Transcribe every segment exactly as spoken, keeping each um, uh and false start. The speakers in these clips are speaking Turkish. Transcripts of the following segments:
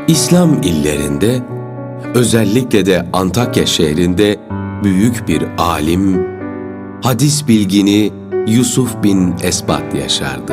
İslam illerinde, özellikle de Antakya şehrinde büyük bir alim, hadis bilgini Yusuf bin Esbat yaşardı.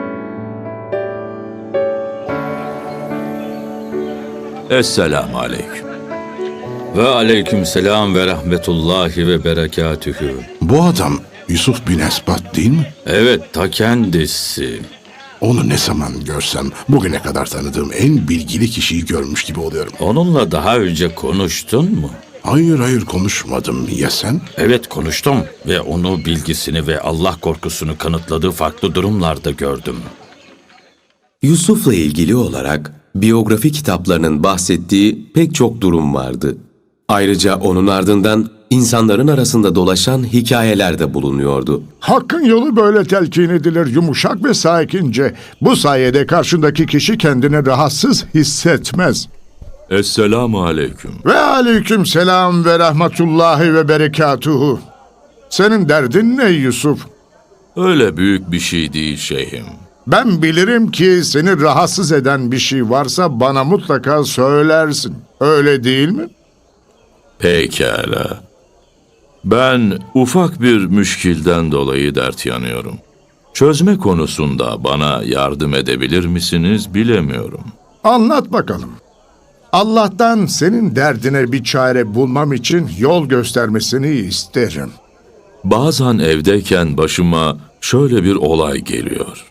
Esselamu aleyküm. Ve aleykümselam ve rahmetullahi ve berekatühü. Bu adam Yusuf bin Esbat değil mi? Evet, ta kendisi. Onu ne zaman görsem bugüne kadar tanıdığım en bilgili kişiyi görmüş gibi oluyorum. Onunla daha önce konuştun mu? Hayır hayır konuşmadım. Ya sen? Evet, konuştum ve onu bilgisini ve Allah korkusunu kanıtladığı farklı durumlarda gördüm. Yusuf'la ilgili olarak biyografi kitaplarının bahsettiği pek çok durum vardı. Ayrıca onun ardından insanların arasında dolaşan hikayeler de bulunuyordu. Hakkın yolu böyle telkin edilir, yumuşak ve sakince. Bu sayede karşındaki kişi kendini rahatsız hissetmez. Esselamu aleyküm. Ve aleyküm selam ve rahmetullahi ve berekatuhu. Senin derdin ne Yusuf? Öyle büyük bir şey değil şeyhim. Ben bilirim ki seni rahatsız eden bir şey varsa bana mutlaka söylersin. Öyle değil mi? Pekala. Ben ufak bir müşkilden dolayı dert yanıyorum. Çözme konusunda bana yardım edebilir misiniz bilemiyorum. Anlat bakalım. Allah'tan senin derdine bir çare bulmam için yol göstermesini isterim. Bazen evdeyken başıma şöyle bir olay geliyor.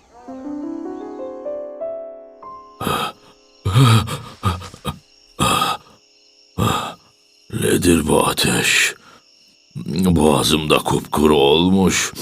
Nedir bu ateş? Boğazımda kupkuru olmuş.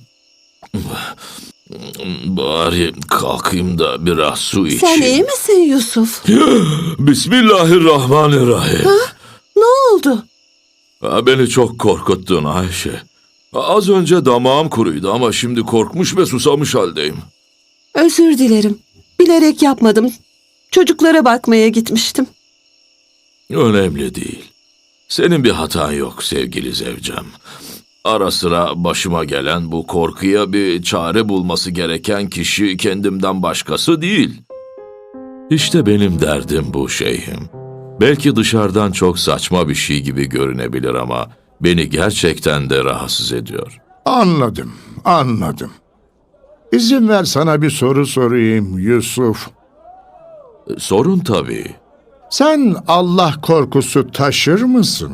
Bari kalkayım da biraz su içeyim. Sen iyi misin Yusuf? Bismillahirrahmanirrahim. Ne oldu? Ha, beni çok korkuttun Ayşe. Az önce damağım kuruydu ama şimdi korkmuş ve susamış haldeyim. Özür dilerim. Bilerek yapmadım. Çocuklara bakmaya gitmiştim. Önemli değil. Senin bir hatan yok sevgili zevcem. Ara sıra başıma gelen bu korkuya bir çare bulması gereken kişi kendimden başkası değil. İşte benim derdim bu şeyhim. Belki dışarıdan çok saçma bir şey gibi görünebilir ama beni gerçekten de rahatsız ediyor. Anladım, anladım. İzin ver sana bir soru sorayım Yusuf. Sorun tabii. Sen Allah korkusu taşır mısın?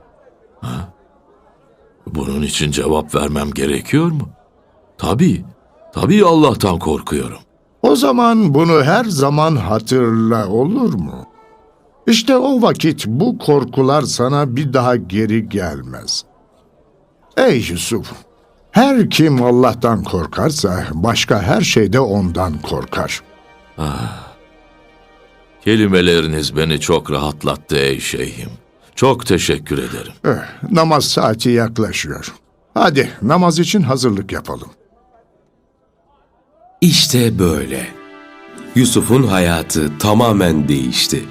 Bunun için cevap vermem gerekiyor mu? Tabii, tabii Allah'tan korkuyorum. O zaman bunu her zaman hatırla, olur mu? İşte o vakit bu korkular sana bir daha geri gelmez. Ey Yusuf! Her kim Allah'tan korkarsa başka her şeyde ondan korkar. Kelimeleriniz beni çok rahatlattı ey şeyhim. Çok teşekkür ederim. Eh, namaz saati yaklaşıyor. Hadi namaz için hazırlık yapalım. İşte böyle. Yusuf'un hayatı tamamen değişti.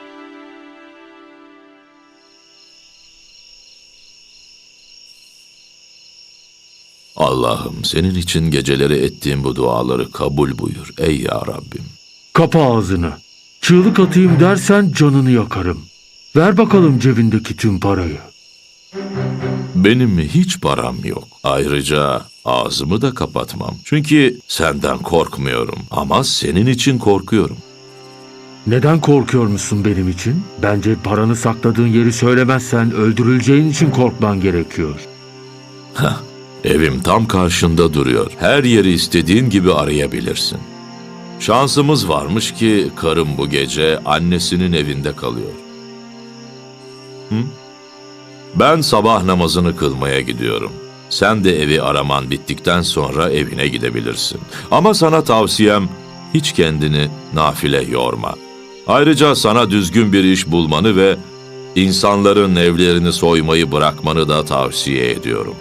Allah'ım senin için geceleri ettiğim bu duaları kabul buyur ey ya Rabbim. Kapa ağzını. Çığlık atayım dersen canını yakarım. Ver bakalım cebindeki tüm parayı. Benim hiç param yok. Ayrıca ağzımı da kapatmam. Çünkü senden korkmuyorum ama senin için korkuyorum. Neden korkuyor musun benim için? Bence paranı sakladığın yeri söylemezsen öldürüleceğin için korkman gerekiyor. Heh, evim tam karşında duruyor. Her yeri istediğin gibi arayabilirsin. Şansımız varmış ki karım bu gece annesinin evinde kalıyor. Hı? Ben sabah namazını kılmaya gidiyorum. Sen de evi araman bittikten sonra evine gidebilirsin. Ama sana tavsiyem hiç kendini nafile yorma. Ayrıca sana düzgün bir iş bulmanı ve insanların evlerini soymayı bırakmanı da tavsiye ediyorum.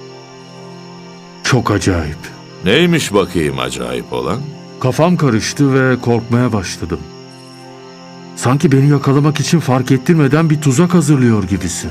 Çok acayip. Neymiş bakayım acayip olan? Kafam karıştı ve korkmaya başladım. Sanki beni yakalamak için fark ettirmeden bir tuzak hazırlıyor gibisin.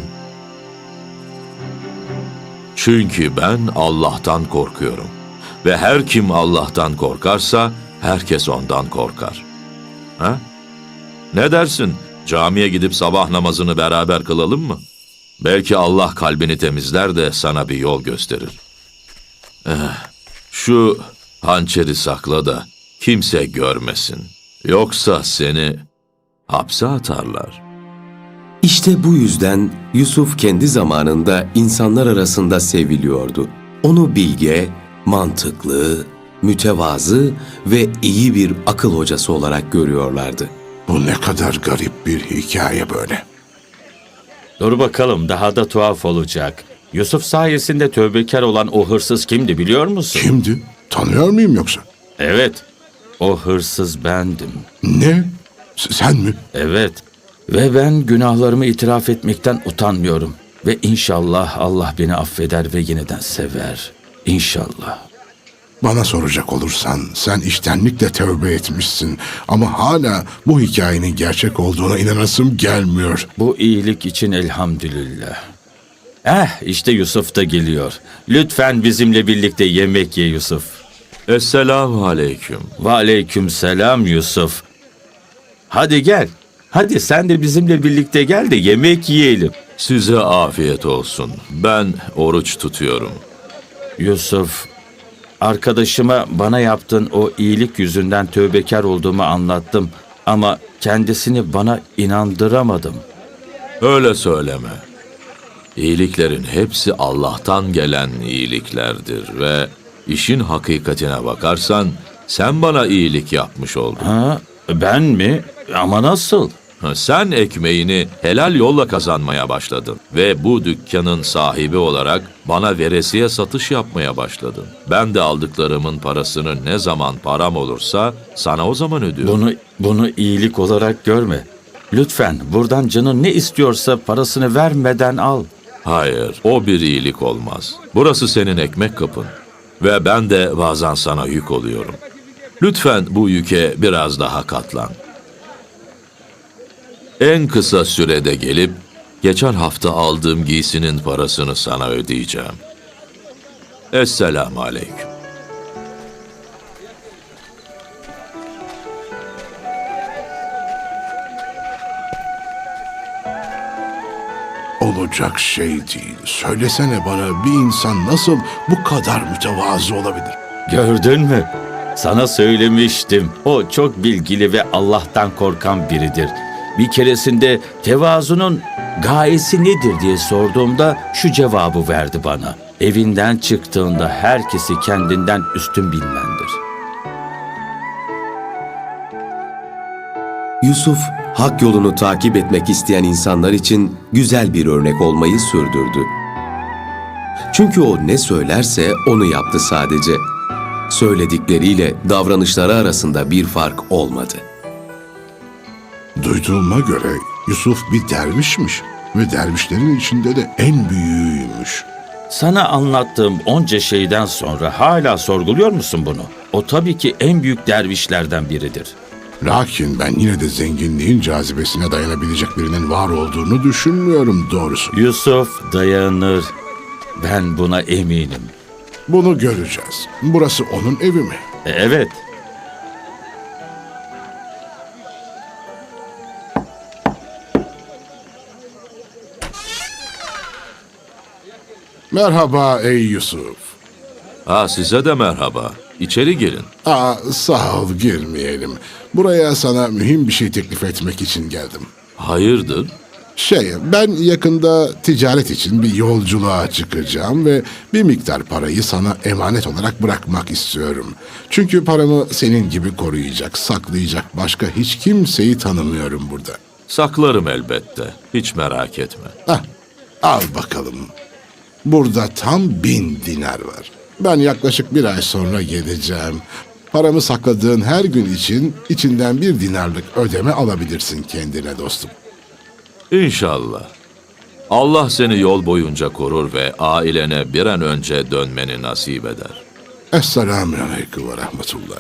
Çünkü ben Allah'tan korkuyorum. Ve her kim Allah'tan korkarsa herkes ondan korkar. Ha? Ne dersin? Camiye gidip sabah namazını beraber kılalım mı? Belki Allah kalbini temizler de sana bir yol gösterir. Eh, şu hançeri sakla da kimse görmesin. Yoksa seni hapse atarlar. İşte bu yüzden Yusuf kendi zamanında insanlar arasında seviliyordu. Onu bilge, mantıklı, mütevazı ve iyi bir akıl hocası olarak görüyorlardı. Bu ne kadar garip bir hikaye böyle. Dur bakalım, daha da tuhaf olacak. Yusuf sayesinde tövbekar olan o hırsız kimdi biliyor musun? Kimdi? Tanıyor muyum yoksa? Evet, o hırsız bendim. Ne? S- sen mi? Evet, ve ben günahlarımı itiraf etmekten utanmıyorum. Ve inşallah Allah beni affeder ve yeniden sever. İnşallah. Bana soracak olursan sen içtenlikle tövbe etmişsin ama hala bu hikayenin gerçek olduğuna inanasım gelmiyor. Bu iyilik için elhamdülillah. Eh, işte Yusuf da geliyor. Lütfen bizimle birlikte yemek ye Yusuf. Esselamu aleyküm. Ve aleyküm selam Yusuf. Hadi gel. Hadi sen de bizimle birlikte gel de yemek yiyelim. Size afiyet olsun. Ben oruç tutuyorum. Yusuf, arkadaşıma bana yaptığın o iyilik yüzünden tövbekar olduğumu anlattım. Ama kendisini bana inandıramadım. Öyle söyleme. İyiliklerin hepsi Allah'tan gelen iyiliklerdir ve işin hakikatine bakarsan sen bana iyilik yapmış oldun. Ha, ben mi? Ama nasıl? Sen ekmeğini helal yolla kazanmaya başladın ve bu dükkanın sahibi olarak bana veresiye satış yapmaya başladın. Ben de aldıklarımın parasını ne zaman param olursa sana o zaman ödüyorum. Bunu bunu iyilik olarak görme. Lütfen buradan canın ne istiyorsa parasını vermeden al. Hayır, o bir iyilik olmaz. Burası senin ekmek kapın ve ben de bazen sana yük oluyorum. Lütfen bu yüke biraz daha katlan. En kısa sürede gelip geçen hafta aldığım giysinin parasını sana ödeyeceğim. Esselamu aleyküm. Olacak şey değil. Söylesene bana, bir insan nasıl bu kadar mütevazı olabilir? Gördün mü? Sana söylemiştim. O çok bilgili ve Allah'tan korkan biridir. Bir keresinde tevazunun gayesi nedir diye sorduğumda şu cevabı verdi bana. Evinden çıktığında herkesi kendinden üstün bilmendir. Yusuf, hak yolunu takip etmek isteyen insanlar için güzel bir örnek olmayı sürdürdü. Çünkü o ne söylerse onu yaptı sadece. Söyledikleriyle davranışları arasında bir fark olmadı. Duyduğuma göre Yusuf bir dervişmiş ve dervişlerin içinde de en büyüğüymüş. Sana anlattığım onca şeyden sonra hala sorguluyor musun bunu? O tabii ki en büyük dervişlerden biridir. Lakin ben yine de zenginliğin cazibesine dayanabilecek birinin var olduğunu düşünmüyorum doğrusu. Yusuf dayanır. Ben buna eminim. Bunu göreceğiz. Burası onun evi mi? E, Evet. Merhaba ey Yusuf. Ha, size de merhaba. İçeri girin. Aa, sağ ol, girmeyelim. Buraya sana mühim bir şey teklif etmek için geldim. Hayırdır? Şey, ben yakında ticaret için bir yolculuğa çıkacağım ve bir miktar parayı sana emanet olarak bırakmak istiyorum. Çünkü paramı senin gibi koruyacak, saklayacak başka hiç kimseyi tanımıyorum burada. Saklarım elbette. Hiç merak etme. Hah, al bakalım. Burada tam bin dinar var. Ben yaklaşık bir ay sonra geleceğim. Paramı sakladığın her gün için içinden bir dinarlık ödeme alabilirsin kendine dostum. İnşallah. Allah seni yol boyunca korur ve ailene bir an önce dönmeni nasip eder. Esselamu aleyküm ve rahmetullah.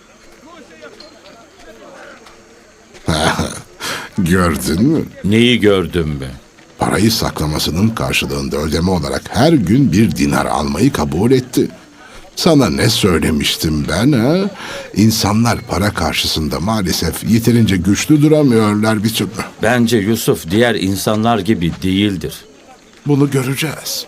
Gördün mü? Neyi gördün mü? Parayı saklamasının karşılığında ödeme olarak her gün bir dinar almayı kabul etti. Sana ne söylemiştim ben ha? İnsanlar para karşısında maalesef yeterince güçlü duramıyorlar bir türlü. Bence Yusuf diğer insanlar gibi değildir. Bunu göreceğiz.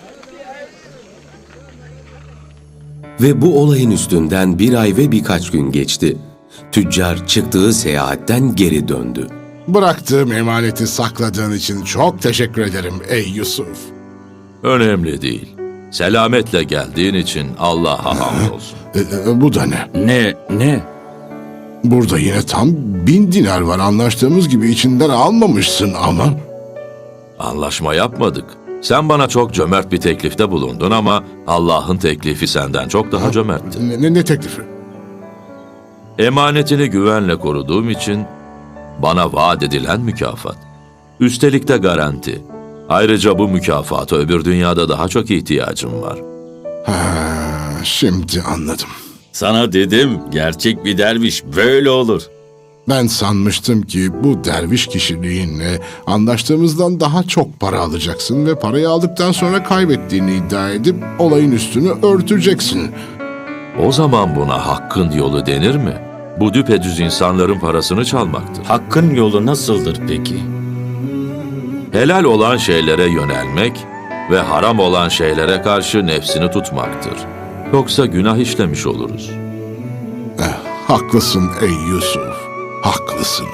Ve bu olayın üstünden bir ay ve birkaç gün geçti. Tüccar çıktığı seyahatten geri döndü. Bıraktığım emaneti sakladığın için çok teşekkür ederim ey Yusuf. Önemli değil. Selametle geldiğin için Allah'a hamdolsun. E, e, bu da ne? Ne, ne? Burada yine tam bin dinar var. Anlaştığımız gibi içinden almamışsın ama. Anlaşma yapmadık. Sen bana çok cömert bir teklifte bulundun ama Allah'ın teklifi senden çok daha cömertti. Ne, ne, ne teklifi? Emanetini güvenle koruduğum için bana vaat edilen mükafat. Üstelik de garanti. Ayrıca bu mükafata öbür dünyada daha çok ihtiyacım var. Ha, şimdi anladım. Sana dedim, gerçek bir derviş böyle olur. Ben sanmıştım ki bu derviş kişiliğinle anlaştığımızdan daha çok para alacaksın ve parayı aldıktan sonra kaybettiğini iddia edip olayın üstünü örteceksin. O zaman buna hakkın yolu denir mi? Bu düpedüz insanların parasını çalmaktır. Hakkın yolu nasıldır peki? Helal olan şeylere yönelmek ve haram olan şeylere karşı nefsini tutmaktır. Yoksa günah işlemiş oluruz. Eh, haklısın ey Yusuf, haklısın.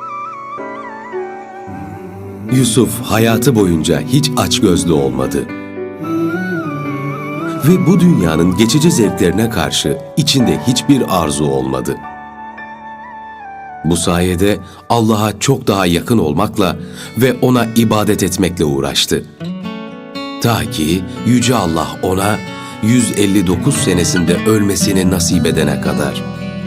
Yusuf hayatı boyunca hiç açgözlü olmadı. Ve bu dünyanın geçici zevklerine karşı içinde hiçbir arzu olmadı. Bu sayede Allah'a çok daha yakın olmakla ve ona ibadet etmekle uğraştı. Ta ki Yüce Allah ona yüz elli dokuz senesinde ölmesini nasip edene kadar.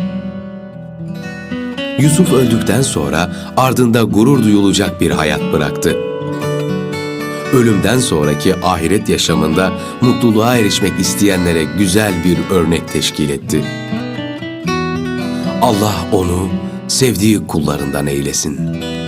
Yusuf öldükten sonra ardında gurur duyulacak bir hayat bıraktı. Ölümden sonraki ahiret yaşamında mutluluğa erişmek isteyenlere güzel bir örnek teşkil etti. Allah onu sevdiği kullarından eylesin.